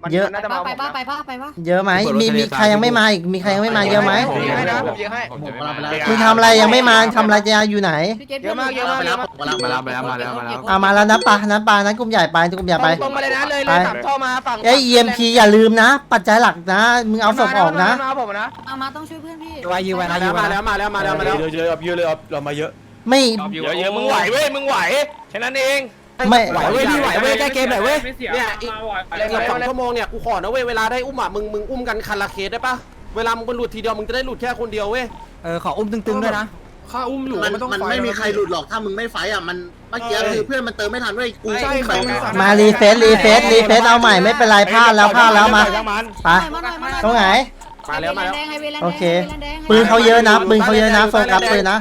เยอะไปป่ะเยอะไหมมีใครยังไม่มาอีกมีใครยังไม่มาเยอะไหมผมยิงให้นะผมยิงให้มึงทำอะไรยังไม่มาทำอะไรจะอยู่ไหนเยอะมากเยอะมากเยอะมากมาแล้วมาแล้วนะปะนั้นกลุ่มใหญ่ไปกลุ่มใหญ่ไปตรงมาเลยนะเลยสามท่อมาฝั่งไอ้ EMP อย่าลืมนะ ปัจจัยหลักนะมึงเอาศพออกนะมาผมนะมาต้องช่วยเพื่อนพี่ยืนไว้นะมาแล้วเยอะเลยเรามาเยอะไม่เยอะมึงไหวเว้ยมึงไหวแค่นั้นเองไม่ไหวเว้ยพี่ไหวเว้ยแก้เกมหน่อยเว้ยเนี่ยอีกเกือบ2 ชั่วโมงเนี่ยกูขอนะเว้ยเวลาได้อุ้มอ่ะมึงอุ้มกันคันละเคสได้ปะเวลามึงหลุดทีเดียวมึงจะได้หลุดแค่คนเดียวเว้ยขออุ้มตึงๆด้วยนะข้าอุ้มอยู่มันไม่มีใครหลุดหรอกถ้ามึงไม่ไฟอ่ะมันเมื่อกี้คือเพื่อนมันเติมไม่ทันเว้ยกูไปมารีเฟซเอาใหม่ไม่เป็นไรพลาดแล้วมาไปตรงไหนมาแล้วโอเคปืนเขาเยอะนะโฟกัสปืนนะ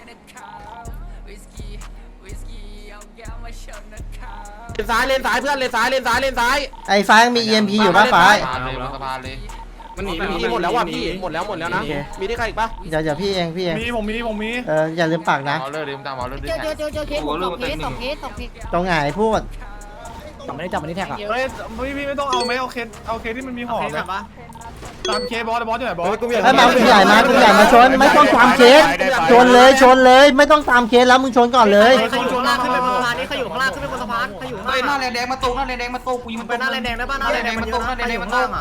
เลนซ้ายเพื่อนเลนซ้ายไอ้ฟ้ายังมี EMP อยู่ป่ะฟ้ามันหนีหมดแล้วว่ะพี่หมดแล้วนะมีที่ใครอีกปะเดี๋ยวพี่เองผมมีอย่าลืมปักนะเจอเคส2 เคสตรงไหนพูดจับมันนี่แท็กอ่ะเฮ้ยพี่ไม่ต้องเอาไหมเอาเคที่มันมีห่อไหมตามเคบอสอยู่ไหนบอสไอ้มากลุ่มใหญ่มาชนไม่ต้องตามเคสชนเลยไม่ต้องตามเคสแล้วมึงชนก่อนเลยใครอยู่ข้างล่างขึ้นไปบนสะพานนี่ใครอยู่ข้างล่างขึ้นไปบนสะพานใครอยู่ข้างล่างหน้าแดงมาตรงกูยิงมันไปหน้าแดงได้ป่ะหน้าแดงมาตรงอ่ะ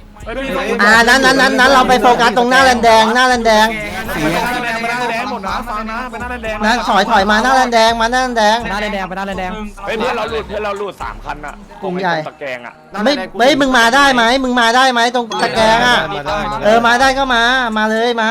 นั้นเราไปโฟกัสตรงหน้าแลนแดงหน้าแดงหมดนะฟังนะไปหน้าแดงนั่นถอยมาหน้าแลนแดงมาหน้าแลนแดงไปหน้าแดงเฮ้ยเพื่อนเราหลุด3 คันอ่ะตะแกรงอ่ะไม่มึงมาได้ไหมตรงตะแกรงอ่ะมาได้ก็มาเลยมา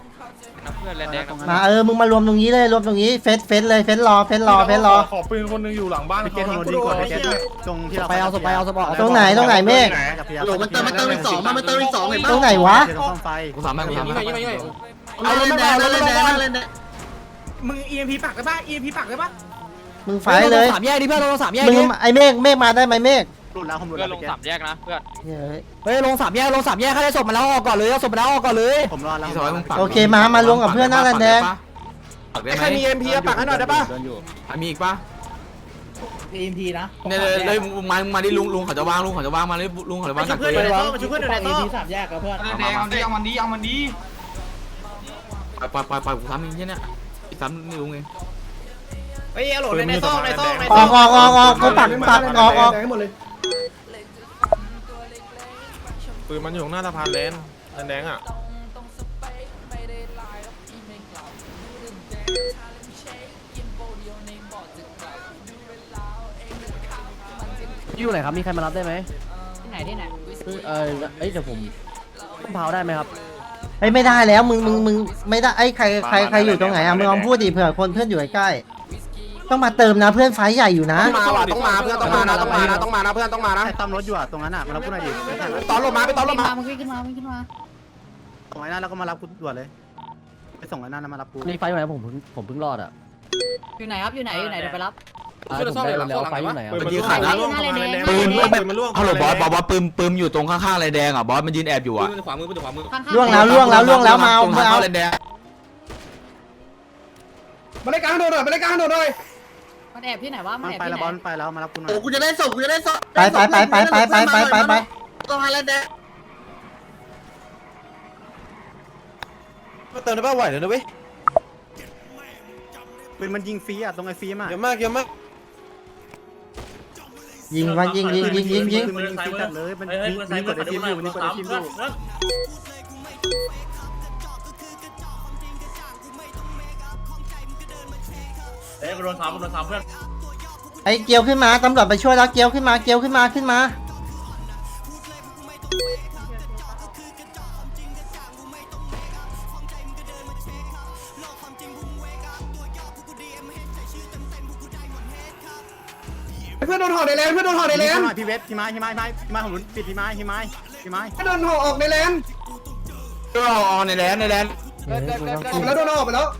มึงมารวมตรงนี้เลยเฟสเลยเฟสรอขอปืนคนนึงอยู่หลังบ้านเขาดีกว่าตรงที่เราไปเอาศพตรงไหนเมฆโหลมันเติมอีก2มันเติมอีก2เห็นปะตรงไหนวะกูสามารถเอาเล่นแดงมึง EMP ปักได้ป่ะ EMP ปักได้ป่ะมึงไฟเลย 3 แยกดิเพื่อนลง3 แยกมึงไอ้เมฆมาได้ไหมเมฆหลุดแล้วผมหลุดแล้วลง3 แยกนะเพื่อนเฮ้ยลง3 แยกถ้าได้ศพมาแล้วออกก่อนเลยเอาศพมาแล้วออกก่อนเลยผมรอแล้วโอเคมารวมกับเพื่อนหน้าแลนแดงใครมี MP ปักให้หน่อยได้ปะมีอีกปะ EMP นะเนี่ยเลยมาดิลุงเขาจะวางมาเลยลุงเขาจะวางเพื่อนอยู่ในโต๊ะช่วยเพื่อนอยู่ในโต๊ะ 3 แยกกับเพื่อนเอามันดีไปกูทำอย่างเงี้ยเนี่ยอีกซ้ำนี่ลุงเองเฮ้ยโหลในโต๊ะออกก็ปักออกปืนมันอยู่หน้าสะพานแดงอ่ะอยู่ไหนครับมีใครมารับได้ไหมที่ไหนเดี๋ยวผมเผาได้ไหมครับไม่ได้แล้วมึงไม่ได้ไอ้ใครอยู่ตรงไหนอ่ะมึงลองพูดดิเผื่อคนเพื่อนอยู่ใกล้ต้องมาเติมนะเพื่อนไฟใหญ่อยู่นะต้องมาเพื่อนต้องมานะเพื่อนต้องมานะตามรถอยู่อ่ะตรงนั้นอ่ะมารับกูหน่อยดิตอนลงมาไปตอนลงมามึงขึ้นมาส่งไอ้นั่นแล้วก็มารับกูด่วนเลยไปส่งไอ้นั่นมารับกูนี่ไฟอยู่ไหนผมเพิ่งรอดอ่ะอยู่ไหนครับอยู่ไหนเดี๋ยวไปรับผมได้แล้วไฟอยู่ไหนอ่ะมันยืนขาดแล้วปืนมันล่วงฮัลโหลบอสบอกว่าปืนอยู่ตรงข้างๆไรแดงอ่ะบอสมันยืนแอบอยู่อ่ะขวามือล่วงแล้วมาเอาไรแดงมาเลยกลางโดดหน่อยมันแอบที่ไหนวะมันไปแล้วบอลไปแล้วมารับกูหน่อยโอ้กูจะได้ศพไปต้องหาแลนแดงเติมได้ป่ะไหวเลยนะเว้ยปืนมันยิงฟรีอ่ะตรงไอ้ฟรีมอ่ะเยอะมากยิงปืนมันยิงฟรีจัดเลยมันยิงกดไอ้ทีมอยู่นี่กดไอ้ทีมอยู่โดนซ้ำเพื่อนไอ้เกียวขึ้นมาตำรวจไปช่วยแล้วเกียวขึ้นมาเพื่อนโดนห่อในแลนพี่เวฟพี่ไม้ผมปิดพี่ไม้โดนห่อออกในแลนก็ออนในแลนแล้วโดนห่อไปแล้ว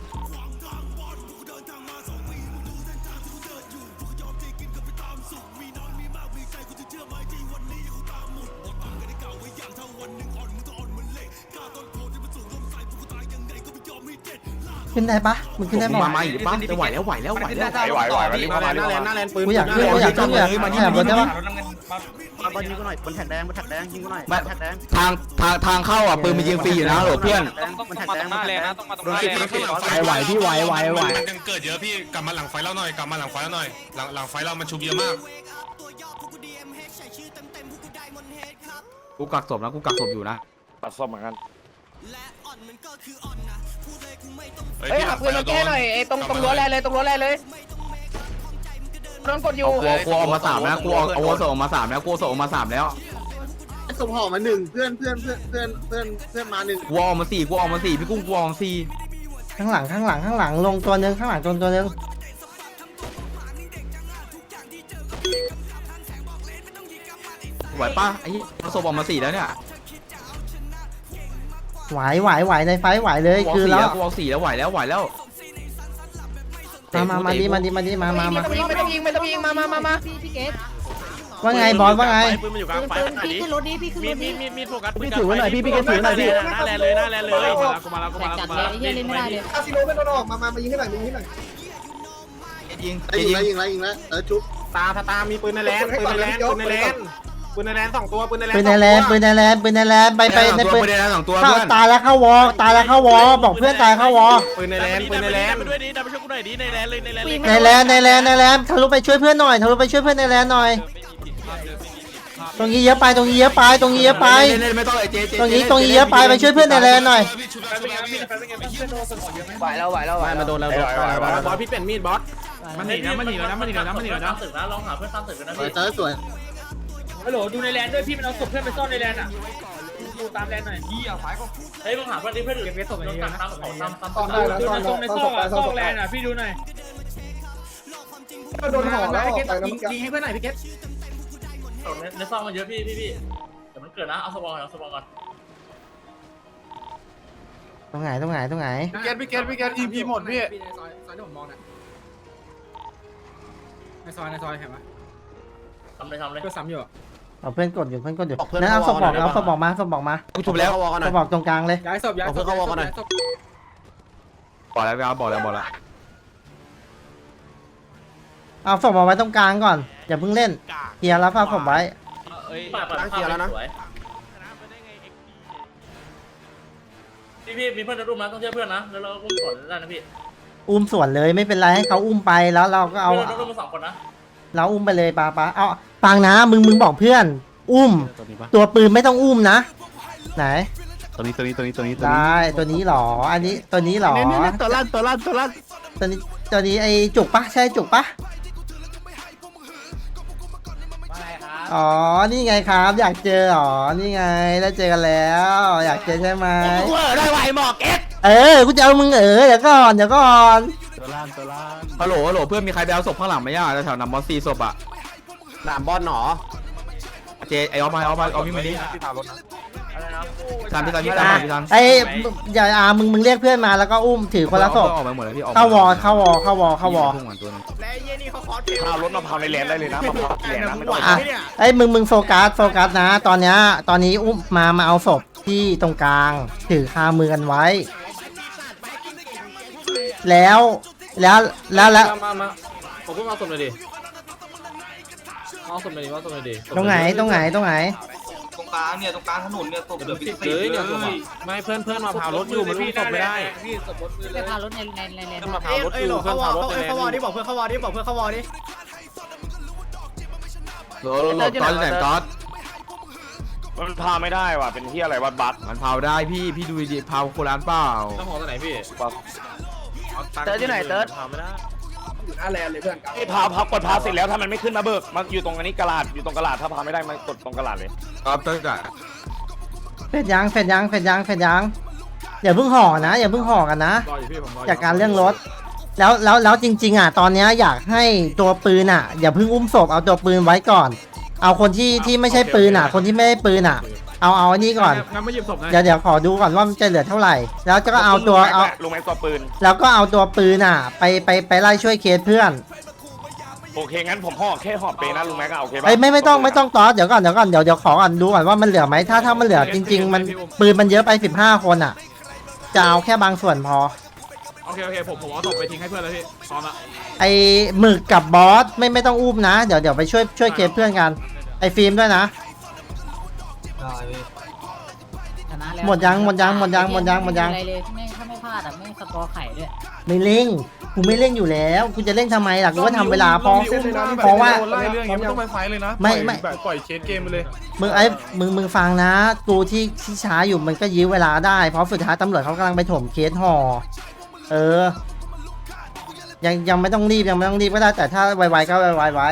ขึ้นได้ปะมึงขึ้นได้ปะมาอีกปะจะไหวแล้วไหวหน้าแลนปืนกูอยากขึ้นแถบรถได้ปะบอลยิงกูหน่อยบนแท็กแดงบนแท็กแดงยิงกูหน่อยแท็กแดงทางเข้าอ่ะปืนมันยิงฟรีอยู่นะโหลเพื่อนบนแท็กแดงบนแท็กแดงโดนติดข้างหลังไฟไหวพี่ไหวมันยังเกิดเยอะพี่กลับมาหลังไฟเราหน่อยกลับมาหลังไฟเราหน่อยหลังไฟเรามันชุบเยอะมากกูกักศพนะกูกักศพอยู่นะตัดศพเหมือนกันเฮ้ยหักปืนมาแก้หน่อยไอ้ตรงรั้วแรเลยตรงรั้วแรเลยโดนกดอยู่กูเอามา3นะกูเอาศพออกมา3แล้วกูศพออกมา3แล้วส่งห่อมา1เพื่อนมา1 กูเอามา4กูเอามา4พี่กุ้งกูเอามา4 ข้างหลังลงตัวนึงข้างหลังตัวนึงไหวป่ะไอ้เอาศพออกมา4แล้วเนี่ยไหวในไฟไหวเลยกูเอาคือ 4 แล้แล้ว วกูเอา4แล้วไหวแล้วมาดิมาไม่ต้องยิงมาพี่เกตว่าไงบอสว่าไงปืนมันอยู่กลางไฟพี่ขึ้นรถนี้พี่ขึ้นรถนี้มีโฟกัสพี่ถือไว้หน่อยพี่เกศถือหน่อยพี่หน้าแลเลยกูมาแล้วแตกจัดเลยไอ้เหี้ยเล่นไม่ได้เลยคาสิโนไม่โดนออกมายิงให้หน่อยยิงยิงแล้วจุ๊บตามีปืนในแลนปืนในแลน2ตัวปืนในแลนปืนในแลนไปในปืนไม่ได้นะ2ตัวเข้าเพื่อนตายแล้วเข้าวอบอกเพื่อนตายเข้าวอปืนในแลนมาด้วยดิดับไปช่วยกูหน่อยดิในแลนเลยในแลนเลยในแลนทะลุไปช่วยเพื่อนหน่อยในแลนหน่อยตรงนี้เยอะไปไม่ต้องไอ้เจตรงนี้เยอะไปช่วยเพื่อนในแลนหน่อยไหวแล้วมาโดนแล้วบอสพี่เปลี่ยนมีดบอสมันหนีแล้วนะตึกนะลองหาเพื่อนตามตึกกันนะพี่เจอสวยฮัลโหลดูในแลนด้วยพี่มันเอาศพเพื่อนไปซ่อนในแลนอ่ะดูตามแลนหน่อยเฮ้ยมึงหาเพื่อนที่เพื่อนอยู่เก็บศพอย่างเงี้ยนะดูในซอกแลนอ่ะพี่ดูหน่อยโดนห่อแล้วยิงให้เพื่อนหน่อยพี่เกตในซอกมันเยอะพี่แต่มันเกิดนะเอาสปอร์ก่อนตรงไหนพี่เกต EP หมดพี่ซอยที่ผมมองนะในซอยเห็นไหมทำเลยก็ซ้ำอยู่เอาเพื่อนกดอยู่นั่นเอาศพบอกมากูทุบแล้วศพบอกตรงกลางเลยย้ายศพบอกแล้วบอกแล้วเอาศพเอาไว้ตรงกลางก่อนอย่าเพิ่งเล่นเคลียร์แล้วฝากศพไว้ตั้งเกียร์แล้วนะพี่มีเพื่อนจะรุ่มนะต้องเชื่อเพื่อนนะแล้วเราอุ้มก่อนได้นะพี่อุ้มส่วนเลยไม่เป็นไรให้เขาอุ้มไปแล้วเราก็เอาเรารุ่มมา2คนนะเราอุ้มไปเลยปาเอาฟังนะมึงบอกเพื่อน อุ้มตัวปืนไม่ต้องอุ้มนะไหนได้ตัวนี้หรออันนี้ตัวนี้หรอตัวลั่นตัวนี้ไอจุกปะใช่จุกปะอ๋อนี่ไงครับอยากเจออ๋อนี่ไงได้เจอกันแล้วอยากเจอใช่ไหมได้ไหวหมอกกูจะเอามึงเดี๋ยวก่อนฮัลโหลเพื่อนมีใครไปเอาศพข้างหลังไหมอ่ะแถวๆนำบอล4ศพอ่ะหนามบอลหนอเจไอออฟเอาพี่มาดิทันพี่ทันไอ้อย่ามึงเรียกเพื่อนมาแล้วก็อุ้มถือคนละศพออกมาหมดแล้วพี่เข้าวอและเย็นนี่เขาคอร์สเพลพารถมาพาวในแลนได้เลยนะมาพาวแลนนะไม่ต้องไอ้มึงโฟกัสนะตอนนี้อุ้มมาเอาศพที่ตรงกลางถือคามือกันไว้แล้วมาผมก็เอาศพเลยดิเอาศพเลยดิตรงไหนตรงกลางเนี่ยตรงกลางถนนเนี่ยศพเดือดพิเศษเนี่ยไม่เพื่อนมาพาวรถอยู่มันอุ้มศพไม่ได้พี่ศพรถไปพารถในเลนมาพาวรถอยู่เพื่อนพาวรถเข้าวอดิบอกเพื่อนเข้าวอดิตอนไหนตอนมันพาไม่ได้ว่ะเป็นที่อะไรวัดบัสมันเผาได้พี่ดูดิเผาโคราชเปล่าต้องหอตัวไหนพี่เติร์ดที่ไหนเติร์ดพาไม่ได้อยู่หน้าแลนเลยเพื่อนไอ้พากดพาเสร็จแล้วถ้ามันไม่ขึ้นมาเบิกมันอยู่ตรงนี้กระดาษอยู่ตรงกระดาษถ้าพาไม่ได้มันกดตรงกระดาษเลยครับเติร์ดอ่ะเฟดยังอย่าเพิ่งห่อกันนะจากการเรื่องรถแล้วจริงๆตอนนี้อยากให้ตัวปืนอย่าเพิ่งอุ้มศพเอาตัวปืนไว้ก่อนเอาคนที่ไม่ใช่ปืนคนที่ไม่ได้ปืนเอาอันนี้ก่อนงั้นไม่หยิบศพนะเดี๋ยวขอดูก่อนว่ามันจะเหลือเท่าไหร่แล้วก็เอาตัวเอาลงแม็กตัวปืนแล้วก็เอาตัวปืนไปไล่ช่วยเคสเพื่อนโอเคงั้นผมห่อแค่ห่อเปนะลุงแม็กโอเคป่ะไม่ต้องต่อเดี๋ยวก่อนเดี๋ยวขอก่อนดูก่อนว่ามันเหลือไหมถ้ามันเหลือจริงๆมันปืนมันเยอะไป15คนจะเอาแค่บางส่วนพอโอเคผมเอาศพไปทิ้งให้เพื่อนแล้วพี่พร้อมละไอ้หมึกกับบอสไม่ต้องอุ้มนะเดี๋ยวไปช่วยเคสเพื่อนกันไอ้ฟิล์มด้วยนะได้พี่ชนะแล้วหมดยังหมดยังหมดยังหมดยังหมดยังอะไรเลยไม่ถ้าไม่พลาดอ่ะไม่สกอร์ไข่ด้วยไม่เร่งกูไม่เร่งอยู่แล้วกูจะเร่งทำไมล่ะกูก็ทำเวลาเพราะเพราะว่าไล่เรื่องอย่างนี้ไม่ต้องไปไฟเลยนะไม่ไม่แบบปล่อยเคสเกมไปเลยมึงฟังนะกูที่ช้าอยู่มันก็ยื้อเวลาได้เพราะสุดท้ายตำรวจเขากำลังไปถมเคสห่อยังไม่ต้องรีบยังไม่ต้องรีบก็ได้แต่ถ้าไวๆก็ไวๆไว้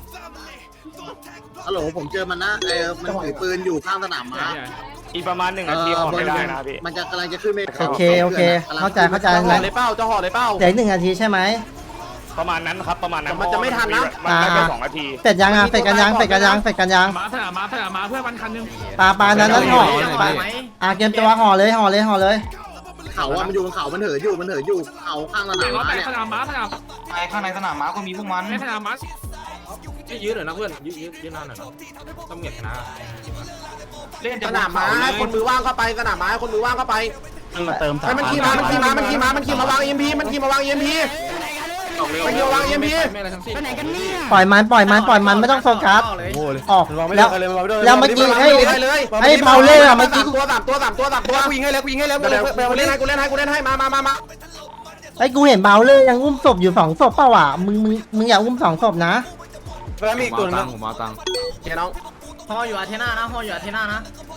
ฮัลโหลผมเจอมันนะมันถือปืนอยู่ข้างสนามม้าอีกประมาณ1 นาทีขอไม่ได้นะพี่มันจะกำลังจะขึ้นไปโอเคเข้าใจจะห่อนะเลยเป้าจะห่อเลยเป้าเดี๋ยวอีก1 นาทีใช่ไหมประมาณนั้นครับประมาณนั้นมันจะไม่ทันนะมันได้แค่2 นาทีเสร็จยังอ่ะเสร็จกันยังเสร็จกันยังเสร็จกันยังมาเถอะมาเพื่อมันคันนึงปลานั้นห่อเกมตัวห่อเลยห่อเลยห่อเลยเขาว่ามันอยู่บนเขามันเหินอยู่เขาข้างสนามม้าเนี่ยสนามม้าข้างในสนามม้าก็มีพวกมันสนามม้ายืดหน่อยนะเพื่อนยืดนานหน่อยต้องเหงียบนะเล่นสนามม้าคนมือว่างเข้าไปสนามม้าคนมือว่างเข้าไปมาเติมมันขี่มาวาง EMP มันขี่มาวาง EMP มันขี่มาวาง EMP ปล่อยมันไม่ต้องโฟกัสออกแล้วเมื่อกี้ไอ้เบาเล่อะเมื่อกี้ตัวกูยิงให้แล้วกูเล่นให้มาไอ้กูเห็นเบาเล่ยังอุ้มศพอยู่2 ศพเปล่าวะมึงอย่าอุ้ม2 ศพนะแล้วมีอีกตัวนึงผมมาตังค์เฮ้ยน้องห่ออยู่อาเทน่านะห่ออยู่อาเทน่านะ